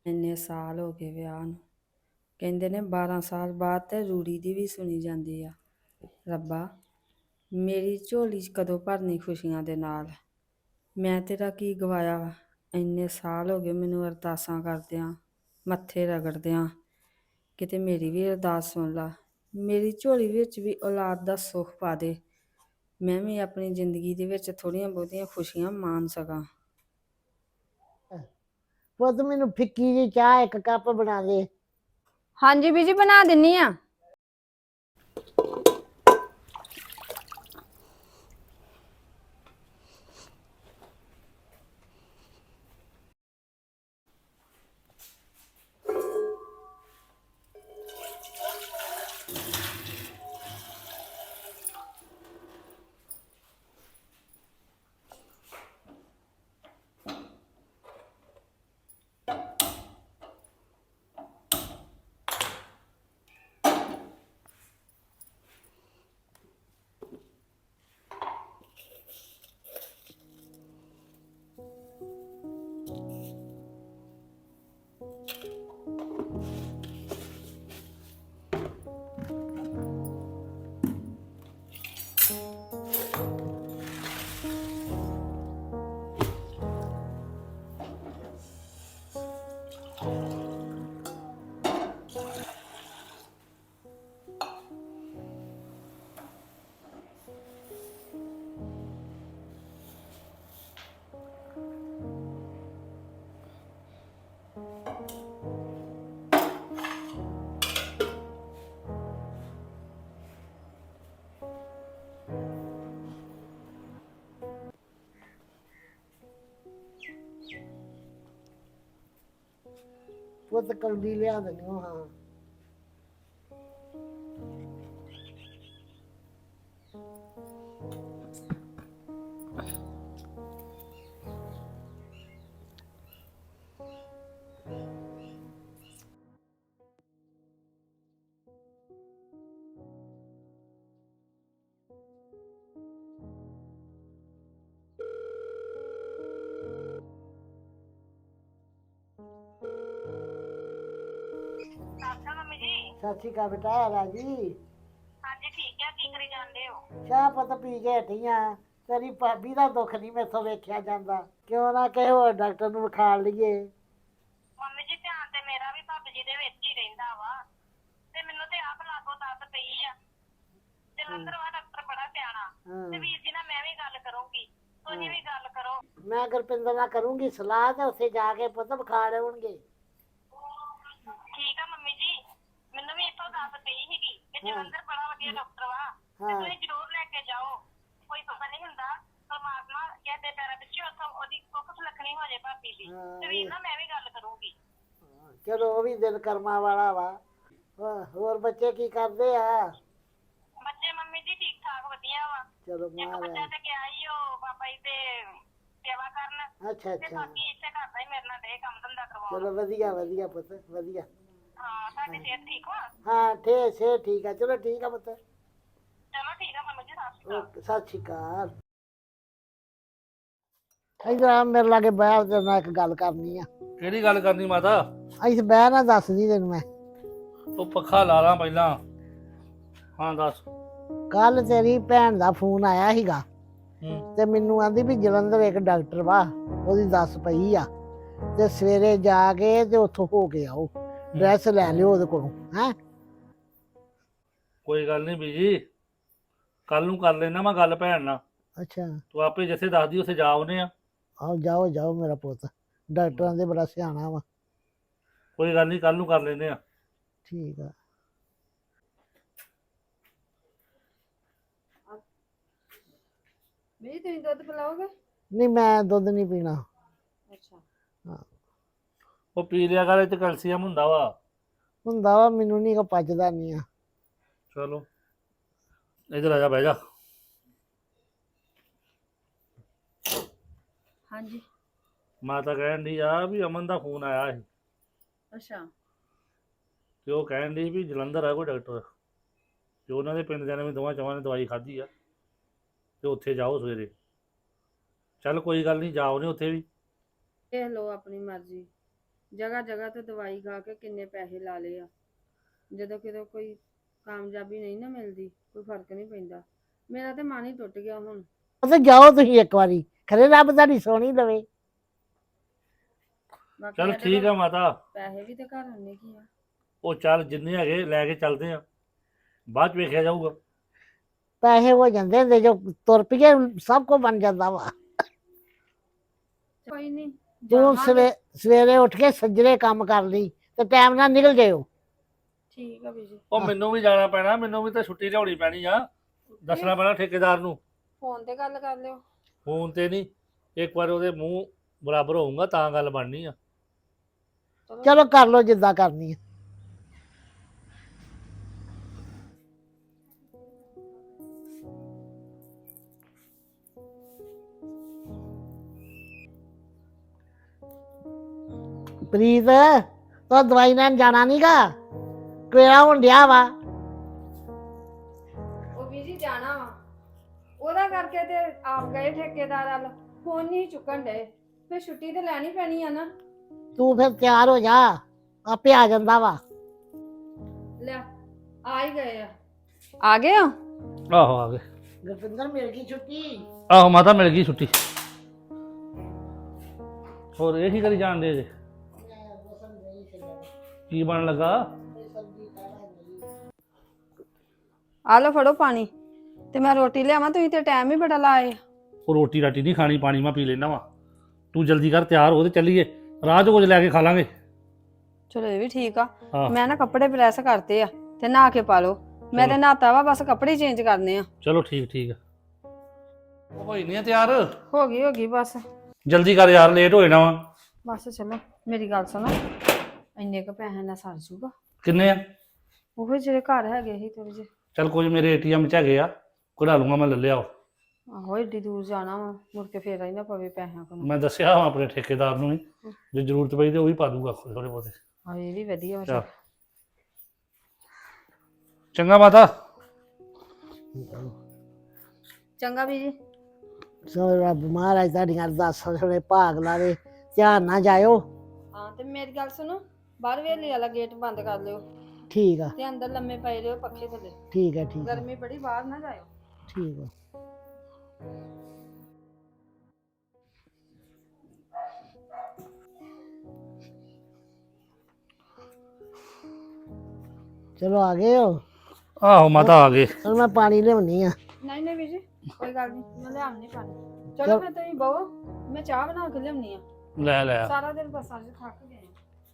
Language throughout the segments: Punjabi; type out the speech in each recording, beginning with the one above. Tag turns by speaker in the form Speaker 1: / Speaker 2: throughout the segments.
Speaker 1: ਇੰਨੇ ਸਾਲ ਹੋ ਗਏ ਵਿਆਹ ਨੂੰ। ਕਹਿੰਦੇ ਨੇ 12 ਸਾਲ ਬਾਅਦ ਤੇ ਰੂੜੀ ਦੀ ਵੀ ਸੁਣੀ ਜਾਂਦੀ ਆ। ਰੱਬਾ, ਮੇਰੀ ਝੋਲੀ 'ਚ ਕਦੋਂ ਭਰਨੀ ਖੁਸ਼ੀਆਂ ਦੇ ਨਾਲ। ਮੈਂ ਤੇਰਾ ਕੀ ਗਵਾਇਆ ਵਾ। ਇੰਨੇ ਸਾਲ ਹੋ ਗਏ ਮੈਨੂੰ ਅਰਦਾਸਾਂ ਕਰਦਿਆਂ, ਮੱਥੇ ਰਗੜਦਿਆਂ। ਕਿਤੇ ਮੇਰੀ ਵੀ ਅਰਦਾਸ ਸੁਣ ਲਾ। ਮੇਰੀ ਝੋਲੀ ਵਿੱਚ ਵੀ ਔਲਾਦ ਦਾ ਸੁੱਖ ਪਾ ਦੇ। ਮੈਂ ਵੀ ਆਪਣੀ ਜ਼ਿੰਦਗੀ ਦੇ ਵਿੱਚ ਥੋੜ੍ਹੀਆਂ ਬਹੁਤੀਆਂ ਖੁਸ਼ੀਆਂ ਮਾਣ ਸਕਾਂ।
Speaker 2: ਪੁੱਤ ਮੈਨੂੰ ਫਿੱਕੀ ਜਿਹੀ ਚਾਹ ਇੱਕ ਕੱਪ ਬਣਾ ਦੇ।
Speaker 1: ਹਾਂਜੀ ਬੀਜੀ, ਬਣਾ ਦਿੰਨੀ ਆ।
Speaker 2: ਪੁੱਤ ਕੌਲੀ ਲਿਆ ਦਿੰਦੀ ਹਾਂ।
Speaker 3: ਮੰਮੀ ਜੀ।
Speaker 2: ਸਤਿ ਸ਼੍ਰੀ ਅਕਾਲ ਬੇਟਾ ਰਾਜੀ।
Speaker 3: ਹਾਂਜੀ ਠੀਕ ਆ, ਕੀ ਕਰੀ ਜਾਂਦੇ ਹੋ?
Speaker 2: ਚਾਹ ਪੁੱਤ ਪੀ ਕੇ ਹਟੀ ਆ। ਤੇਰੀ ਭਾਬੀ ਦਾ ਦੁੱਖ ਨਹੀਂ ਮੈਥੋਂ ਵੇਖਿਆ ਜਾਂਦਾ। ਕਿਉਂ ਨਾ ਕਿਸੇ ਹੋਰ ਡਾਕਟਰ ਨੂੰ ਵਿਖਾ ਲਈਏ।
Speaker 3: ਮੰਮੀ ਜੀ ਧਿਆਨ ਤੇ ਮੇਰਾ ਵੀ ਭਾਬੀ ਜੀ ਦੇ ਵਿੱਚ ਹੀ ਰਹਿੰਦਾ ਵਾ, ਤੇ ਮੈਨੂੰ ਤੇ ਆਪ ਲਾਗੋ ਦੱਸ ਪਈ ਆ। ਜਲੰਧਰ ਵਾ ਡਾਕਟਰ ਬੜਾ ਸਿਆਣਾ, ਤੇ ਵੀਰ ਜੀ ਨਾਲ ਮੈਂ ਵੀ ਗੱਲ ਕਰੂੰਗੀ, ਤੁਸੀਂ ਵੀ ਗੱਲ ਕਰੋ।
Speaker 2: ਮੈਂ ਗੁਰਪਿੰਦਰ ਨਾਲ ਕਰੂੰਗੀ ਸਲਾਹ ਤੇ ਉੱਥੇ ਜਾ ਕੇ ਪੁੱਤ ਵਿਖਾ ਲਿਆਉਣਗੇ।
Speaker 3: ਠੀਕ ਆ ਮੰਮੀ ਜੀ, ਮੈਨੂੰ ਵੀ ਇੱਥੋਂ ਦੱਸ ਪਈ ਸੀਗੀ ਕਿ ਜਲੰਧਰ ਬੜਾ ਵਧੀਆ ਡਾਕਟਰ ਵਾ, ਤੇ ਤੁਸੀਂ ਜ਼ਰੂਰ ਲੈ ਕੇ ਜਾਓ। ਕੋਈ ਪਤਾ ਨਹੀਂ ਹੁੰਦਾ, ਪਰਮਾਤਮਾ ਕਹਿੰਦੇ ਪੈਰਾਂ ਪਿੱਛੇ ਉੱਥੋਂ ਉਹਦੀ ਕੁੱਖ ਸੁਲੱਖਣੀ ਹੋ ਜਾਏ ਭਾਬੀ ਦੀ, ਤੇ ਵੀਰ ਨਾਲ ਮੈਂ ਵੀ ਗੱਲ ਕਰੂੰਗੀ।
Speaker 2: ਚਲੋ ਉਹ ਵੀ ਦਿਲ ਕਰਮਾਂ ਵਾਲਾ ਵਾ। ਹੋਰ ਬੱਚੇ ਕੀ ਕਰਦੇ ਆ?
Speaker 3: ਬੱਚੇ ਮੰਮੀ ਜੀ ਠੀਕ ਠਾਕ ਵਧੀਆ ਵਾ।
Speaker 2: ਚਲੋ
Speaker 3: ਇੱਕ ਬੱਚਾ ਤੇ ਗਿਆ ਹੀ ਉਹ ਬਾਬਾ ਜੀ ਦੇ ਸੇਵਾ ਕਰਨ,
Speaker 2: ਅੱਛਾ
Speaker 3: ਤੇ
Speaker 2: ਅੱਛਾ।
Speaker 3: ਬਾਕੀ ਇੱਥੇ ਘਰ ਦਾ ਹੀ ਮੇਰੇ ਨਾਲ ਡੇ ਕੰਮ ਧੰਦਾ ਕਰਵਾਉਣ।
Speaker 2: ਚਲੋ ਵਧੀਆ ਵਧੀਆ ਪੁੱਤ ਵਧੀਆ।
Speaker 3: ਹਾਂ, ਤੁਹਾਡੀ ਸਿਹਤ ਠੀਕ ਵਾ?
Speaker 2: ਹਾਂ ਸਿਹਤ ਠੀਕ ਆ। ਚਲੋ ਠੀਕ ਆ ਪੁੱਤ।
Speaker 3: ਚਲੋ ਠੀਕ ਆ ਮੰਮੀ ਜੀ, ਸਤਿ ਸ਼੍ਰੀ ਅਕਾਲ।
Speaker 2: ਓਕੇ ਸਤਿ ਸ਼੍ਰੀ ਅਕਾਲ। ਇੱਧਰ ਆ ਮੇਰੇ ਲਾਗੇ ਬਹਿ, ਤੇਰੇ ਨਾਲ ਇੱਕ ਗੱਲ ਕਰਨੀ ਆ।
Speaker 4: ਕਿਹੜੀ ਗੱਲ ਕਰਨੀ ਮਾਤਾ?
Speaker 2: ਇੱਥੇ ਬਹਿ ਨਾ, ਦੱਸਦੀ ਤੈਨੂੰ ਮੈਂ।
Speaker 4: ਉਹ ਪੱਖਾ ਲਾ ਲਾਂ ਪਹਿਲਾਂ। ਹਾਂ ਦੱਸ।
Speaker 2: ਕੱਲ ਤੇਰੀ ਭੈਣ ਦਾ ਫੋਨ ਆਇਆ ਸੀਗਾ, ਤੇ ਮੈਨੂੰ ਆਂਦੀ ਵੀ ਜਲੰਧਰ ਇੱਕ ਡਾਕਟਰ ਵਾ, ਉਹਦੀ ਦੱਸ ਪਈ ਆ, ਤੇ ਸਵੇਰੇ ਜਾ ਕੇ ਤੇ ਉੱਥੋਂ ਹੋ ਕੇ ਆਓ, ਡਰੈਸ ਲੈ ਲਿਓ ਉਹਦੇ ਕੋਲੋਂ। ਹੈਂ?
Speaker 4: ਕੋਈ ਗੱਲ ਨਹੀਂ ਬੀਜੀ, ਕੱਲ ਨੂੰ ਕਰ ਲੈਣਾ ਮੈਂ ਗੱਲ ਭੈਣ ਨਾਲ।
Speaker 2: ਅੱਛਾ।
Speaker 4: ਤੂੰ ਆਪੇ ਜਿੱਥੇ ਦੱਸਦੀ ਉੱਥੇ ਜਾ ਆਉਨੇ ਆ।
Speaker 2: ਆਓ ਜਾਓ ਜਾਓ ਮੇਰਾ ਪੁੱਤ, ਡਾਕਟਰਾਂ ਦੇ ਬੜਾ ਸਿਆਣਾ ਵਾ।
Speaker 4: ਕੋਈ ਗੱਲ ਨਹੀਂ, ਕੱਲ ਨੂੰ ਕਰ ਲੈਂਦੇ ਆ।
Speaker 2: ਠੀਕ ਆ।
Speaker 1: ਬੀਜੀ, ਤੁਸੀਂ ਦੁੱਧ ਪਿਲਾਓਗੇ?
Speaker 2: ਨਹੀਂ ਮੈਂ ਦੁੱਧ ਨਹੀਂ ਪੀਣਾ।
Speaker 1: ਅੱਛਾ।
Speaker 2: ਹਾਂ
Speaker 4: ਉਹ ਪੀ ਲਿਆ ਕਰ, ਇਹ 'ਚ ਕੈਲਸ਼ੀਅਮ ਹੁੰਦਾ ਵਾ।
Speaker 2: ਹੁੰਦਾ ਵਾ, ਮੈਨੂੰ ਨਹੀਂ ਕੋ ਪਚਦਾ ਨਹੀਂ ਆ।
Speaker 4: ਚਲੋ ਇੱਧਰ ਆ ਜਾ, ਬਹਿ ਜਾ।
Speaker 1: ਹਾਂਜੀ।
Speaker 4: ਮਾਤਾ ਕਹਿਣ ਡਈ ਆ ਵੀ ਅਮਨ ਦਾ ਫੋਨ ਆਇਆ ਸੀ,
Speaker 1: ਅੱਛਾ।
Speaker 4: ਤੇ ਉਹ ਕਹਿਣ ਡਈ ਵੀ ਜਲੰਧਰ ਆ ਕੋਈ ਡਾਕਟਰ, ਤੇ ਉਹਨਾਂ ਦੇ ਪਿੰਡ ਜਾਣੇ ਵੀ ਦੋਵਾਂ ਚਵਾਂ ਨੇ ਦਵਾਈ ਖਾਧੀ ਆ, ਤੇ ਉੱਥੇ ਜਾਓ ਸਵੇਰੇ। ਚੱਲ ਕੋਈ ਗੱਲ ਨਹੀਂ, ਜਾਓ ਨੇ ਉੱਥੇ ਵੀ।
Speaker 1: ਦੇਖ ਲਓ ਆਪਣੀ ਮਰਜ਼ੀ। ਜਗ੍ਹਾ ਜਗ੍ਹਾ ਤੇ ਦਵਾਈ ਖਾ ਕੇ ਕਿੰਨੇ ਪੈਸੇ ਲਾ ਲਏ ਆ। ਜਦੋਂ ਕਿਤੇ ਕੋਈ ਕਾਮਯਾਬੀ ਨਹੀਂ ਨਾ ਮਿਲਦੀ, ਕੋਈ ਫਰਕ ਨਹੀਂ ਪੈਂਦਾ। ਮੇਰਾ ਤੇ ਮਨ ਹੀ ਟੁੱਟ ਗਿਆ ਹੁਣ।
Speaker 2: ਉਹ ਤੇ ਜਾਓ ਤੁਸੀਂ ਇੱਕ ਵਾਰੀ, ਖਰੇ ਰੱਬ ਤੁਹਾਡੀ ਸੋਹਣੀ ਲਵੇ।
Speaker 1: ਬਾਕੀ
Speaker 4: ਚੱਲ
Speaker 1: ਸਾਡੇ
Speaker 4: ਠੀਕ
Speaker 1: ਕੋਲ
Speaker 4: ਆ ਮਾਤਾ,
Speaker 1: ਪੈਸੇ ਵੀ ਤੇ ਘਰ ਹੁੰਨੇ ਕੀ ਆ।
Speaker 4: ਉਹ ਚੱਲ ਜਿੰਨੇ ਹੈਗੇ ਲੈ ਕੇ ਚੱਲਦੇ ਆ, ਬਾਅਦ ਚ ਵੇਖਿਆ ਜਾਊਗਾ।
Speaker 2: ਪੈਸੇ ਹੋ ਜਾਂਦੇ ਹੁੰਦੇ, ਜੋ ਤੁਰ ਪਈਏ ਸਭ ਕੁਝ ਬਣ ਜਾਂਦਾ ਵਾ।
Speaker 1: ਕੋਈ ਨਹੀਂ
Speaker 2: ਤੂੰ
Speaker 1: ਜਾਵਾਂਗੇ।
Speaker 2: ਸਵੇਰੇ ਉੱਠ ਕੇ ਸੱਜਰੇ ਕੰਮ ਕਰ ਲਈ ਤੇ ਟਾਈਮ ਨਾਲ ਨਿਕਲ ਜਾਇਓ।
Speaker 1: ਠੀਕ ਆ ਬੀਜੀ।
Speaker 4: ਉਹ ਮੈਨੂੰ ਵੀ ਜਾਣਾ ਪੈਣਾ, ਮੈਨੂੰ ਵੀ ਤਾਂ ਛੁੱਟੀ ਲਿਆਉਣੀ ਪੈਣੀ ਆ। ਦੱਸਣਾ ਪੈਣਾ ਠੇਕੇਦਾਰ ਨੂੰ।
Speaker 1: ਫੋਨ ਤੇ ਗੱਲ ਕਰ ਲਿਓ।
Speaker 4: ਫੋਨ ਤੇ ਨਹੀਂ, ਇੱਕ ਵਾਰ ਉਹਦੇ ਮੂੰਹ ਬਰਾਬਰ ਹੋਊਗਾ ਤਾਂ ਗੱਲ ਬਣਨੀ ਆ।
Speaker 2: ਚਲੋ ਕਰ ਲਓ ਜਿੱਦਾਂ ਕਰਨੀ ਹੈ। ਪ੍ਰੀਤ, ਤੂੰ ਦਵਾਈ ਲੈਣ ਜਾਣਾ ਨੀਗਾ? ਕਿਹੜਾ ਹੁਣ ਡਿਆ ਵਾ?
Speaker 1: ਉਹ ਬੀਜੀ ਜਾਣਾ ਵਾ, ਉਹਦਾ ਕਰਕੇ ਤੇ ਆਪ ਗਏ ਠੇਕੇਦਾਰ ਵੱਲ, ਫੋਨ ਨਹੀਂ ਚੁੱਕਣ ਡਏ। ਫਿਰ ਛੁੱਟੀ ਤੇ ਲੈਣੀ ਪੈਣੀ ਆ ਨਾ।
Speaker 2: ਤੂੰ ਫਿਰ ਤਿਆਰ ਹੋ ਜਾ, ਆਪੇ ਆ ਜਾਂਦਾ ਵਾ।
Speaker 1: ਲੈ ਆ ਹੀ ਗਏ ਆ। ਆ ਗਏ ਆ?
Speaker 4: ਆਹੋ ਆ ਗਏ।
Speaker 2: ਗੁਰਪਿੰਦਰ ਮਿਲ ਗਈ ਛੁੱਟੀ।
Speaker 4: ਆਹੋ ਮਾਤਾ ਮਿਲ ਗਈ ਛੁੱਟੀ। ਹੋਰ ਇਹ ਕੀ ਕਰੀ ਜਾਣਦੇ ਜੇ? ਕੀ ਬਣ ਲੱਗਾ?
Speaker 1: ਆ ਲਓ ਫੜੋ ਪਾਣੀ, ਤੇ ਮੈਂ ਰੋਟੀ ਲਿਆਵਾਂ, ਤੁਸੀਂ ਤੇ ਟਾਈਮ ਹੀ ਬੜਾ ਲਾਏ।
Speaker 4: ਉਹ ਰੋਟੀ ਰਾਟੀ ਨਹੀਂ ਖਾਣੀ, ਪਾਣੀ ਮੈਂ ਪੀ ਲੈਣਾ ਵਾ। ਤੂੰ ਜਲਦੀ ਕਰ, ਤਿਆਰ ਹੋ ਤੇ ਚੱਲੀਏ, ਰਾਹ 'ਚ ਕੁਝ ਲੈ ਕੇ ਖਾ ਲਾਂਗੇ।
Speaker 1: ਚਲੋ ਇਹ ਵੀ ਠੀਕ ਆ।
Speaker 4: ਹਾਂ।
Speaker 1: ਮੈਂ ਨਾ ਕੱਪੜੇ ਪ੍ਰੈਸ ਕਰਤੇ ਆ ਤੇ ਨਹਾ ਕੇ ਪਾ ਲਓ। ਮੈਂ ਤੇ ਨਹਾਤਾ ਵਾ, ਬਸ ਕੱਪੜੇ ਚੇਂਜ ਕਰਨੇ ਆ।
Speaker 4: ਚਲੋ ਠੀਕ ਠੀਕ ਆ। ਉਹ ਹੋਈ ਨਹੀਂ ਆ ਤਿਆਰ?
Speaker 1: ਹੋ ਗਈ ਬਸ।
Speaker 4: ਜਲਦੀ ਕਰ ਯਾਰ, ਲੇਟ ਹੋ ਜਾਣਾ ਵਾ।
Speaker 1: ਬਸ ਚਲੋ ਮੇਰੀ ਗੱਲ ਸੁਣੋ, ਇੰਨੇ ਕੁ ਪੈਸੇ ਨਾਲ ਸਰ ਜੂਗਾ?
Speaker 4: ਕਿੰਨੇ ਆ?
Speaker 1: ਉਹ ਜਿਹੜੇ ਘਰ ਹੈਗੇ ਸੀ ਥੋੜੇ ਜਿਹੇ।
Speaker 4: ਚੱਲ ਕੁਝ ਮੇਰੇ ATM 'ਚ ਹੈਗੇ ਆ, ਕਢਾ ਲੂੰਗਾ ਮੈਂ, ਲੈ ਲਿਆਓ।
Speaker 1: ਆਹੋ ਏਡੀ ਦੂਰ ਜਾਣਾ ਵਾ, ਮੁੜ ਕੇ ਫੇਰ ਹੀ ਨਾ ਪਵੇ ਪੈਸਿਆਂ ਕੋਲ।
Speaker 4: ਮੈਂ ਦੱਸਿਆ ਵਾ ਆਪਣੇ ਠੇਕੇਦਾਰ ਨੂੰ ਵੀ, ਜੇ ਜ਼ਰੂਰਤ ਪਈ ਤੇ ਉਹ ਵੀ ਪਾ ਦੂਗਾ ਥੋੜੇ ਬਹੁਤੇ।
Speaker 1: ਹਾਂ ਇਹ ਵੀ ਵਧੀਆ ਵਾ।
Speaker 4: ਚੱਲ ਚੰਗਾ ਮਾਤਾ।
Speaker 1: ਚੰਗਾ ਬੀਜੀ।
Speaker 2: ਸੋ ਰੱਬ ਮਹਾਰਾਜ ਤੁਹਾਡੀਆਂ ਅਰਦਾਸਾਂ ਸੁਣੇ, ਭਾਗ ਲਾਵੇ। ਧਿਆਨ ਨਾਲ ਜਾਇਓ।
Speaker 1: ਹਾਂ ਤੇ ਮੇਰੀ ਗੱਲ ਸੁਣੋ, ਬਾਹਰ ਵੇਲੇ ਵਾਲਾ ਗੇਟ ਬੰਦ ਕਰ ਲਿਓ
Speaker 2: ਠੀਕ ਆ,
Speaker 1: ਤੇ ਅੰਦਰ ਲੰਮੇ ਪਏ ਰਹੋ ਪੱਖੇ ਥੱਲੇ।
Speaker 2: ਠੀਕ ਆ, ਠੀਕ ਆ,
Speaker 1: ਗਰਮੀ ਬੜੀ, ਬਾਹਰ ਨਾ ਜਾਇਓ।
Speaker 2: ਠੀਕ ਆ। ਚਲੋ ਆ ਗਏ ਹੋ?
Speaker 4: ਆਹੋ ਮਾਤਾ ਆ ਗਏ।
Speaker 2: ਚਲ ਮੈਂ ਪਾਣੀ ਲਿਆਉਣੀ ਆ।
Speaker 1: ਨਹੀਂ ਬੀਜੀ, ਕੋਈ ਗੱਲ ਨਹੀਂ, ਮੈਂ ਲਿਆਉਣੀ ਪਾਣੀ। ਚਲੋ ਫਿਰ ਤੁਸੀਂ ਬਹੋ, ਮੈਂ ਚਾਹ ਬਣਾ ਕੇ ਲਿਆਉਣੀ ਆ।
Speaker 4: ਲੈ ਲੈ।
Speaker 1: ਸਾਰਾ ਦਿਨ ਬੱਸਾਂ 'ਚ ਥੱਕ ਗਏ।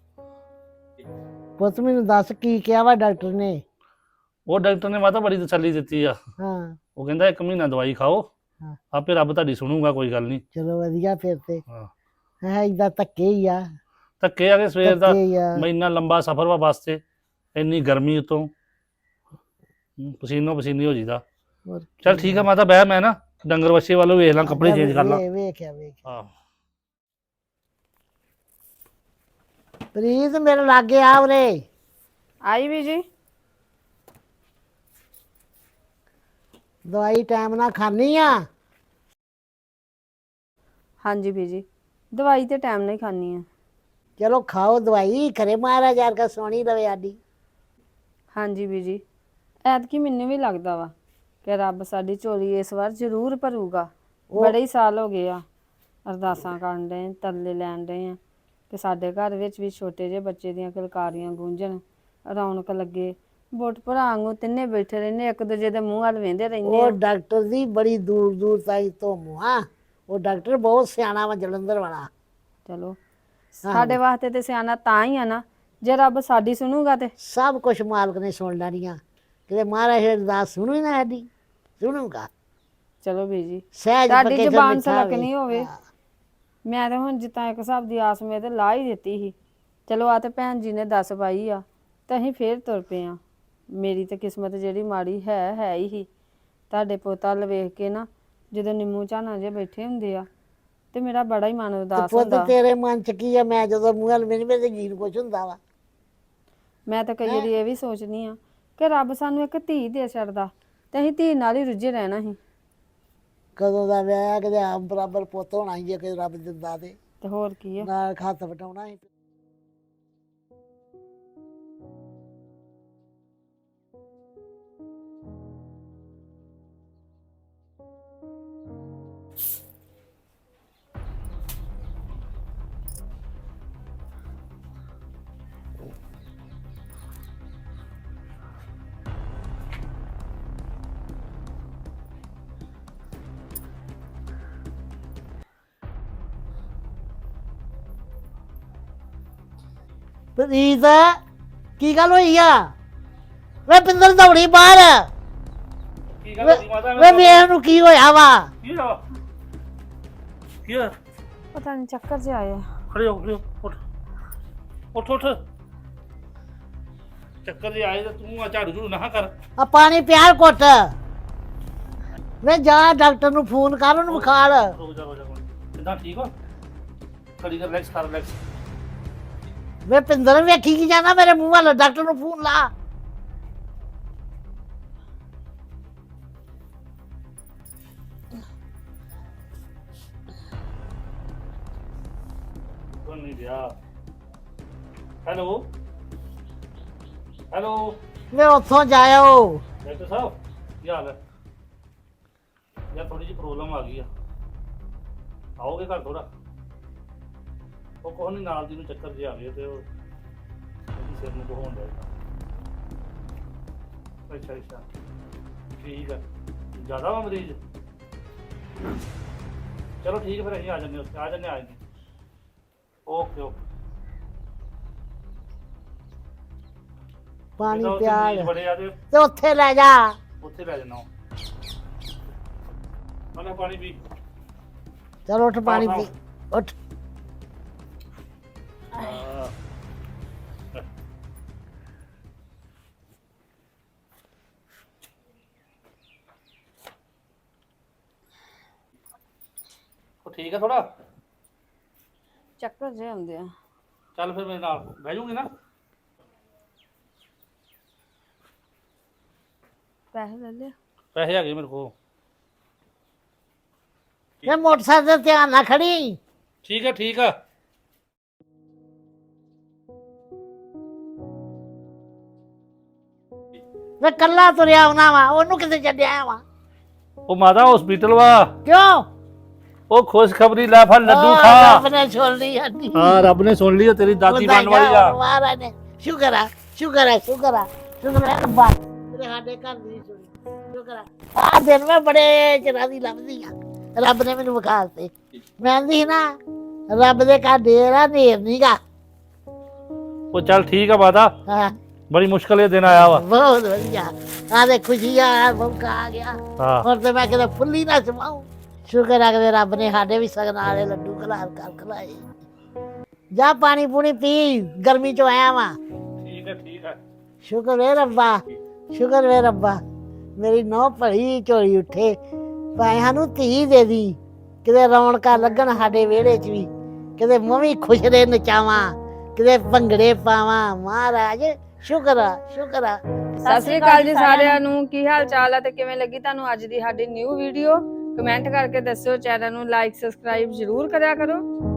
Speaker 2: ਪੁੱਤ ਮੈਨੂੰ ਦੱਸ ਕੀ ਕਿਹਾ ਵਾ ਡਾਕਟਰ ਨੇ?
Speaker 4: ਉਹ ਡਾਕਟਰ ਨੇ ਮਾਤਾ ਬੜੀ ਤਸੱਲੀ ਦਿੱਤੀ ਆ।
Speaker 2: ਹਾਂ।
Speaker 4: ਉਹ ਕਹਿੰਦਾ 1 ਮਹੀਨਾ ਦਵਾਈ ਖਾਓ,
Speaker 2: ਹਾਂ।
Speaker 4: ਆਪੇ ਰੱਬ ਤੁਹਾਡੀ ਸੁਣੂਗਾ, ਕੋਈ ਗੱਲ ਨਹੀਂ।
Speaker 2: ਚਲੋ ਵਧੀਆ ਫਿਰ ਤੇ।
Speaker 4: ਹਾਂ।
Speaker 2: ਹੈ ਏਦਾਂ ਧੱਕੇ ਹੀ ਆ।
Speaker 4: ਧੱਕੇ ਆ ਕੇ ਸਵੇਰ ਦਾ
Speaker 2: ਧੱਕੇ ਹੀ ਆ।
Speaker 4: ਇੰਨਾ ਲੰਬਾ ਸਫ਼ਰ ਵਾ ਬੱਸ ਤੇ, ਇੰਨੀ ਗਰਮੀ ਉਤੋਂ ਪਸੀਨੋ ਪਸੀਨੀ ਹੋ ਜੀਦਾ।
Speaker 2: ਹੋਰ
Speaker 4: ਚੱਲ ਠੀਕ ਆ ਮਾਤਾ, ਬਹਿ, ਮੈਂ ਨਾ ਡੰਗਰ ਵੱਛੇ ਵੱਲੋਂ ਵੇਖ ਲਾਂ, ਕੱਪੜੇ ਚੇਂਜ ਕਰ ਲਾਂ।
Speaker 2: ਵੇਖਿਆ।
Speaker 4: ਆਹ
Speaker 2: ਪ੍ਰੀਤ ਮੇਰੇ ਲਾਗੇ ਆ ਉਰੇ।
Speaker 1: ਆਈ ਬੀਜੀ।
Speaker 2: ਦਵਾਈ ਟਾਈਮ ਨਾਲ ਖਾਣੀ ਆ?
Speaker 1: ਹਾਂਜੀ ਬੀਜੀ, ਦਵਾਈ ਤੇ ਟਾਈਮ ਨਾਲ ਹੀ ਖਾਣੀ ਆ।
Speaker 2: ਚਲੋ ਖਾਓ ਦਵਾਈ, ਖਰੇ ਮਹਾਰਾਜ ਯਾਰ ਕਾ ਸੋਹਣੀ ਲਵੇ ਆਡੀ।
Speaker 1: ਹਾਂਜੀ ਬੀਜੀ, ਐਤਕੀ ਮੈਨੂੰ ਵੀ ਲੱਗਦਾ ਵਾ ਕਿ ਰੱਬ ਸਾਡੀ ਝੋਲੀ ਇਸ ਵਾਰ ਜ਼ਰੂਰ ਭਰੂਗਾ। ਬੜੇ ਹੀ ਸਾਲ ਹੋ ਗਏ ਆ ਅਰਦਾਸਾਂ ਕਰਨ ਡਏ, ਤਰਲੇ ਲੈਣ ਡਏ ਆ ਕਿ ਸਾਡੇ ਘਰ ਵਿੱਚ ਵੀ ਛੋਟੇ ਜਿਹੇ ਬੱਚੇ ਦੀਆਂ ਕਿਲਕਾਰੀਆਂ ਗੂੰਜਣ, ਰੌਣਕ ਲੱਗੇ। ਬੁੱਟ ਭਰਾ ਵਾਂਗੂ ਤਿੰਨੇ ਬੈਠੇ ਰਹਿੰਦੇ, ਇੱਕ ਦੂਜੇ ਦੇ ਮੂੰਹ ਵੱਲ ਵੇਂਦੇ ਰਹਿੰਦੇ
Speaker 2: ਉਹ
Speaker 1: ਆ।
Speaker 2: ਡਾਕਟਰ ਦੀ ਬੜੀ ਦੂਰ ਦੂਰ ਤਾਈ ਧੋਮੂ ਆ। ਉਹ ਡਾਕਟਰ ਬਹੁਤ ਸਿਆਣਾ ਵਾ, ਜਲੰਧਰ ਵਾਲਾ।
Speaker 1: ਚਲੋ ਸਾਡੇ ਵਾਸਤੇ ਤੇ ਸਿਆਣਾ ਤਾਂ ਹੀ ਆ ਨਾ, ਜੇ ਰੱਬ ਸਾਡੀ ਸੁਣੂਗਾ ਤੇ।
Speaker 2: ਸਭ ਕੁਛ ਮਾਲਕ ਨੇ ਸੁਣ ਲੈਣੀਆਂ, ਕਿਤੇ ਮਹਾਰਾਜ ਅਰਦਾਸ ਸੁਣੂ ਹੀ ਨਾ ਸਾਡੀ, ਸੁਣੂਗਾ।
Speaker 1: ਚਲੋ ਬੀਜੀ,
Speaker 2: ਸਹਿਜ
Speaker 1: ਤੁਹਾਡੀ
Speaker 2: ਫੱਕੇ
Speaker 1: ਜ਼ੁਬਾਨ
Speaker 2: ਮਿੱਠਾ
Speaker 1: ਸਲਕਣੀ ਹੋਵੇ। ਮੈਂ ਤਾਂ ਹੁਣ ਜਿੱਦਾਂ ਇੱਕ ਹਿਸਾਬ ਦੀ ਆਸ ਮੇ ਤੇ ਲਾ ਹੀ ਦਿੱਤੀ ਸੀ। ਚਲੋ ਆ ਤੇ ਭੈਣ ਜੀ ਨੇ ਦੱਸ ਪਾਈ ਆ ਤੇ ਅਸੀਂ ਫੇਰ ਤੁਰ ਪਏ ਆ। ਮੇਰੀ ਤਾਂ ਕਿਸਮਤ ਜਿਹੜੀ ਮਾੜੀ ਹੈ ਹੀ ਸੀ। ਤੁਹਾਡੇ ਪੋਤਾ ਵੱਲ ਵੇਖ ਕੇ ਨਾ, ਜਦੋਂ ਨਿੰਮੂ ਝਾਨਾ ਜੇ ਬੈਠੇ ਹੁੰਦੇ ਆ ਤੇ ਮੇਰਾ ਬੜਾ ਹੀ ਮਨ ਉਦਾਸ
Speaker 2: ਪੁੱਤ
Speaker 1: ਹੁੰਦਾ।
Speaker 2: ਤੇਰੇ ਮਨ ਚ ਕੀ ਆ? ਮੈਂ ਜਦੋਂ ਮੂੰਹ ਵੱਲ ਮੇਰੇ ਜੀਨ ਕੁਛ ਹੁੰਦਾ ਵਾ।
Speaker 1: ਮੈਂ ਤਾਂ ਕਈ ਵਾਰੀ ਇਹ ਵੀ ਸੋਚਦੀ ਆ ਕਿ ਰੱਬ ਸਾਨੂੰ ਇੱਕ ਧੀ ਦੇ ਛੱਡਦਾ ਤੇ ਅਸੀਂ ਧੀ ਨਾਲ ਹੀ ਰੁੱਝੇ ਰਹਿਣਾ ਸੀ।
Speaker 2: ਕਦੋਂ ਦਾ ਵਿਆਹ, ਕਿਤੇ ਆਪ ਬਰਾਬਰ ਪੁੱਤ ਹੋਣਾ ਸੀ ਜੇ ਕਿ ਰੱਬ ਦਿੰਦਾ ਤੇ
Speaker 1: ਤੇ ਹੋਰ ਕੀ ਆ।
Speaker 2: ਨਾਲ ਹੱਥ ਵਟਾਉਣਾ ਸੀ। ਪ੍ਰੀਤ ਕੀ ਗੱਲ ਹੋਈ ਆ? ਵੇ ਪਿੰਦਰ ਦੌੜੀ ਬਾਹਰ।
Speaker 4: ਕੀ ਗੱਲ ਹੋਈ ਮਾਤਾ?
Speaker 2: ਵੇ ਵੇਖ ਨੂੰ ਕੀ ਹੋਇਆ ਵਾ?
Speaker 4: ਕੀ ਹੋਇਆ? ਕੀ ਹੋਇਆ?
Speaker 1: ਪਤਾ ਨਹੀਂ ਚੱਕਰ ਜਿਹਾ ਆਇਆ।
Speaker 4: ਖੜੇ ਹੋ ਉੱਠ ਉੱਠ ਉੱਠ। ਚੱਕਰ ਜੇ ਆਏ ਤਾਂ ਤੂੰ ਆ ਝਾੜੂ ਝੂੜੂ ਨਾ ਕਰ।
Speaker 2: ਆ ਪਾਣੀ ਪਿਆ ਘੁੱਟ। ਵੇ ਜਾ ਡਾਕਟਰ ਨੂੰ ਫੋਨ ਕਰ, ਉਹਨੂੰ ਵਿਖਾ ਲੈ।
Speaker 4: ਰੁਕ ਜਾ ਕਿੱਦਾਂ ਠੀਕ ਹੋ? ਕੜੀ ਕਰ ਰਿਲੈਕਸ ਕਰ ਰਿਲੈਕਸ।
Speaker 2: ਵੇ ਪਿੰਦਰ ਵੇਖੀ ਕੀ ਜਾਣਾ ਮੇਰੇ ਮੂੰਹ ਵੱਲ? ਡਾਕਟਰ ਨੂੰ ਫੋਨ ਲਾ।
Speaker 4: ਸੁਣ ਨਹੀਂ ਰਿਹਾ। ਹੈਲੋ ਹੈਲੋ
Speaker 2: ਵੇ ਉੱਥੋਂ ਜਾਇਓ।
Speaker 4: ਡਾਕਟਰ ਸਾਹਿਬ ਕੀ ਹਾਲ ਹੈ? ਯਾਰ ਥੋੜੀ ਜਿਹੀ ਪ੍ਰੋਬਲਮ ਆ ਗਈ ਆ, ਆਓਗੇ ਘਰ ਥੋੜਾ? ਉਹ ਕੋਹ ਨਹੀਂ ਨਾਲ ਦੀ ਨੂੰ ਚੱਕਰ ਜਿਹਾ ਆ ਗਏ ਤੇ ਉਹ ਉਹਦੀ ਸਿਰ ਨੂੰ ਕੋਹੋਂ ਡਿਆ। ਅੱਛਾ ਅੱਛਾ ਠੀਕ ਆ। ਜ਼ਿਆਦਾ ਵਾ ਮਰੀਜ਼? ਚਲੋ ਠੀਕ ਹੈ ਫਿਰ ਅਸੀਂ ਆ ਜਾਂਦੇ ਉੱਥੇ ਆ ਜਾਂਦੇ ਓਕੇ ਓਕੇ।
Speaker 2: ਪਾਣੀ
Speaker 4: ਜਿੱਦਾਂ ਉੱਥੇ
Speaker 2: ਪਿਆ
Speaker 4: ਮਰੀਜ਼ ਬੜੇ ਆ ਤੇ
Speaker 2: ਤੇ ਉੱਥੇ ਲੈ ਜਾ।
Speaker 4: ਉੱਥੇ ਲੈ ਜਾਣਾ। ਮੈਂ ਪਾਣੀ ਪੀ।
Speaker 2: ਚਲ ਉੱਠ ਪਾਣੀ ਪੀ ਉੱਠ।
Speaker 4: ਉਹ ਠੀਕ ਹੈ ਥੋੜਾ?
Speaker 1: ਚੱਕਰ ਜਿਹੇ ਆਉਂਦੇ ਆ।
Speaker 4: ਚੱਲ ਫਿਰ ਮੇਰੇ ਨਾਲ ਬਹਿ ਜੂਗੀ ਨਾ?
Speaker 1: ਪੈਸੇ ਲੈ ਲਿਆ?
Speaker 4: ਪੈਸੇ ਹੈਗੇ ਮੇਰੇ ਕੋਲ।
Speaker 2: ਇਹ ਮੋਟਰਸਾਈਕਲ ਤੇ ਧਿਆਨ ਨਾਲ ਖੜੀ।
Speaker 4: ਠੀਕ ਹੈ ਠੀਕ ਆ।
Speaker 2: ਵੇ ਕੱਲਾ ਤੁਰਿਆ ਆਉਣਾ ਵਾ, ਉਹਨੂੰ ਕਿਤੇ ਛੱਡਿਆ ਵਾ?
Speaker 4: ਉਹ ਮਾਤਾ ਹਸਪੀਟਲ ਵਾ।
Speaker 2: ਕਿਉਂ?
Speaker 4: ਉਹ ਖੁਸ਼ਖਬਰੀ ਲੈ ਫੜ ਲੱਡੂ
Speaker 2: ਰੱਬ
Speaker 4: ਖਾ।
Speaker 2: ਨੇ ਸੁਣ ਲਈ ਸਾਡੀ।
Speaker 4: ਹਾਂ ਰੱਬ ਨੇ ਸੁਣ ਲਈ, ਤੇਰੀ ਦਾਦੀ ਬਣਨ ਵਾਲੀ ਆ।
Speaker 2: ਮਹਾਰਾਜ ਨੇ ਸ਼ੁਕਰ ਆ ਸ਼ੁਕਰ ਆ ਸ਼ੁਕਰ ਆ ਸ਼ੁਕਰ ਆ ਰੱਬਾ, ਤੇਰੇ ਸਾਡੇ ਘਰ ਦੀ ਸੁਣੀ। ਸ਼ੁਕਰ ਆ ਦਿਨ ਮੈਂ ਬੜੇ ਚਿਰਾਂ ਦੀ ਲੱਭਦੀ ਆ, ਰੱਬ ਨੇ ਮੈਨੂੰ ਵਿਖਾ ਦਿੱਤੇ। ਮੈਂ ਆਂਦੀ ਸੀ ਨਾ ਰੱਬ ਦੇ ਘਰ ਡੇਰ ਆ, ਨੇਰ ਨੀਗਾ।
Speaker 4: ਉਹ ਚੱਲ ਠੀਕ ਆ ਮਾਤਾ,
Speaker 2: ਹਾਂ
Speaker 4: ਬੜੀ ਮੁਸ਼ਕਲ ਇਹ ਦਿਨ ਆਇਆ ਵਾ।
Speaker 2: ਬਹੁਤ ਵਧੀਆ। ਆ ਦੇ ਖੁਸ਼ੀ ਆ ਮੌਕਾ ਆ ਗਿਆ।
Speaker 4: ਹਾਂ
Speaker 2: ਹੁਣ ਤੇ ਮੈਂ ਕਿਤੇ ਫੁੱਲੀ ਨਾ ਸਮਾਉ। ਸ਼ੁਕਰ ਆ ਕਿ ਰੱਬ ਨੇ ਸਾਡੇ ਵੀ ਸਗਨ ਵਾਲੇ ਲੱਡੂ ਖਲਾਰ ਕਰ ਖਲਾਏ। ਜਾ ਪਾਣੀ ਪੂਣੀ ਪੀ, ਗਰਮੀ ਚੋਂ ਆਇਆ ਵਾ।
Speaker 4: ਠੀਕ ਹੈ ਠੀਕ ਹੈ।
Speaker 2: ਸ਼ੁਕਰ ਵੇ ਰੱਬਾ, ਸ਼ੁਕਰ ਵੇ ਰੱਬਾ, ਮੇਰੀ ਨੌ ਭਲੀ ਝੋਲੀ ਉੱਠੇ। ਭਾਵੇਂ ਸਾਨੂੰ ਧੀ ਦੇ ਦੀ, ਕਿਤੇ ਰੌਣਕਾਂ ਲੱਗਣ ਸਾਡੇ ਵਿਹੜੇ 'ਚ ਵੀ, ਕਿਤੇ ਮੈਂ ਵੀ ਖੁਸ਼ ਰੇ ਨਚਾਵਾਂ, ਕਿਤੇ ਭੰਗੜੇ ਪਾਵਾਂ। ਮਹਾਰਾਜ ਸ਼ੁਕਰ ਆ ਸ਼ੁਕਰ ਆ।
Speaker 1: ਸਤਿ ਸ੍ਰੀ ਅਕਾਲ ਜੀ ਸਾਰਿਆਂ ਨੂੰ। ਕੀ ਹਾਲ ਚਾਲ ਹੈ ਤੇ ਕਿਵੇਂ ਲੱਗੀ ਤੁਹਾਨੂੰ ਅੱਜ ਦੀ ਸਾਡੀ ਨਿਊ ਵੀਡੀਓ? ਕਮੈਂਟ ਕਰਕੇ ਦੱਸਿਓ। ਚੈਨਲ ਨੂੰ ਲਾਈਕ ਸਬਸਕ੍ਰਾਈਬ ਜ਼ਰੂਰ ਕਰਿਆ ਕਰੋ।